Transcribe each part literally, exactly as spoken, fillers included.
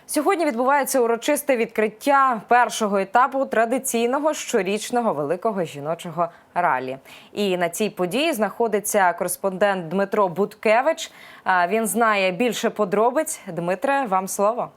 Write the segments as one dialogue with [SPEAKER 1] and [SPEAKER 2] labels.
[SPEAKER 1] Сьогодні відбувається урочисте відкриття першого етапу традиційного щорічного великого жіночого ралі. І на цій події знаходиться кореспондент Дмитро Буткевич. Він знає більше подробиць. Дмитре, вам слово.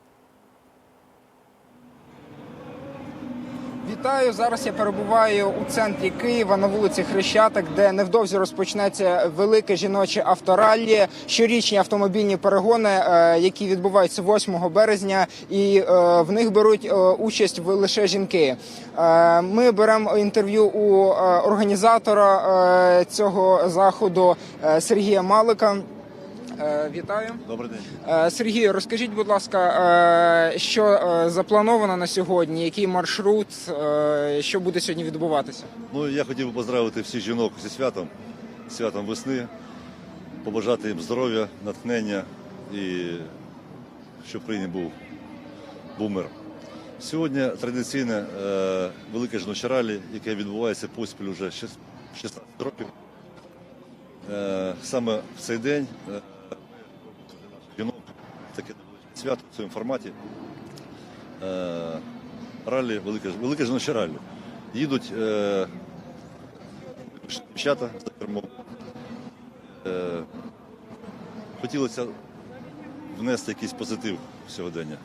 [SPEAKER 2] Вітаю! Зараз я перебуваю у центрі Києва на вулиці Хрещатик, де невдовзі розпочнеться велике жіноче автораллі, щорічні автомобільні перегони, які відбуваються восьмого березня, і в них беруть участь лише жінки. Ми беремо інтерв'ю у організатора цього заходу Сергія Малика. Вітаю.
[SPEAKER 3] Добрий день.
[SPEAKER 2] Сергію, розкажіть, будь ласка, що заплановано на сьогодні, який маршрут, що буде сьогодні відбуватися?
[SPEAKER 3] Ну, я хотів би поздравити всіх жінок зі святом, святом весни, побажати їм здоров'я, натхнення і щоб в країні був, був мир. Сьогодні традиційне е, велике жіноче ралі, яке відбувається поспіль вже шістнадцять років. Е, саме в цей день е, жінок, таке свято в цьому форматі, е, ралі, велике, велике жіноче ралі. Їдуть е, дівчата за кермом. Е, хотілося внести якийсь позитив в сьогодення.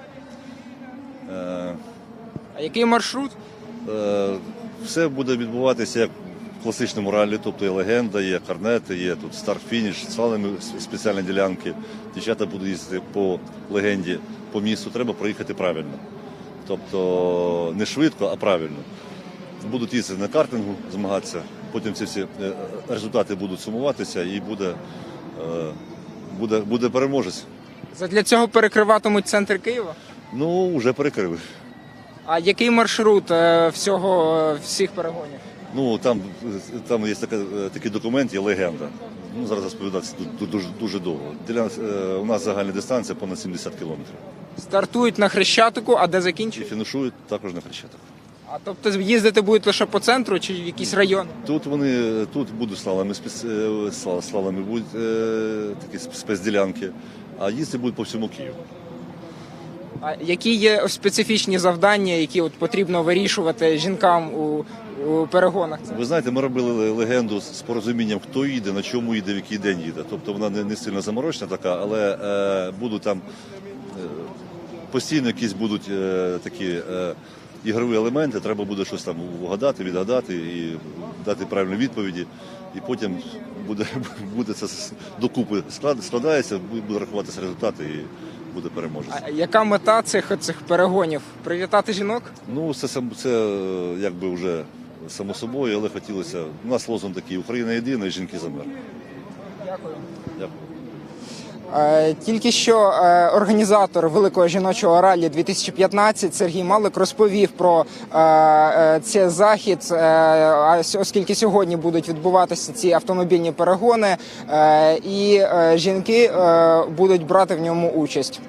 [SPEAKER 3] Е,
[SPEAKER 2] А який маршрут?
[SPEAKER 3] е, все буде відбуватися як в класичному ралі, тобто є легенда, є карнети, є тут старт-фініш, слалими спеціальні ділянки. Дівчата будуть їздити по легенді, по місту, треба проїхати правильно. Тобто не швидко, а правильно. Будуть їздити на картингу, змагатися, потім ці всі результати будуть сумуватися і буде, буде, буде переможець.
[SPEAKER 2] Задля цього перекриватимуть центр Києва?
[SPEAKER 3] Ну, вже перекрили.
[SPEAKER 2] А який маршрут всього, всіх перегонів?
[SPEAKER 3] Ну, там, там є така, такий документ, є легенда. Ну, зараз розповідати дуже, дуже довго. Для, у нас загальна дистанція понад сімдесят кілометрів.
[SPEAKER 2] Стартують на Хрещатику, а де
[SPEAKER 3] І
[SPEAKER 2] закінчують?
[SPEAKER 3] фінішують також на Хрещатику.
[SPEAKER 2] А тобто їздити будуть лише по центру чи в якийсь район?
[SPEAKER 3] Тут вони, тут будуть слалами, слалами будуть е, такі спецділянки, а їздити будуть по всьому Києву.
[SPEAKER 2] А які є специфічні завдання, які от потрібно вирішувати жінкам у, у перегонах?
[SPEAKER 3] Ви знаєте, ми робили легенду з порозумінням, хто їде, на чому їде, в який день їде. Тобто вона не, не сильно заморочена така, але е, будуть там е, постійно якісь будуть е, такі е, ігрові елементи, треба буде щось там вгадати, відгадати і дати правильні відповіді. І потім буде, буде це докупи складається, буде рахуватися результати і буде переможець.
[SPEAKER 2] А яка мета цих, цих перегонів? Привітати жінок?
[SPEAKER 3] Ну, це, це якби вже само собою, але хотілося. У нас лозунг такий: Україна єдина і жінки за мир.
[SPEAKER 2] Дякую.
[SPEAKER 3] Дякую.
[SPEAKER 2] Тільки що організатор Великого жіночого ралі дві тисячі п'ятнадцять Сергій Малик розповів про цей захід, оскільки сьогодні будуть відбуватися ці автомобільні перегони, і жінки будуть брати в ньому участь.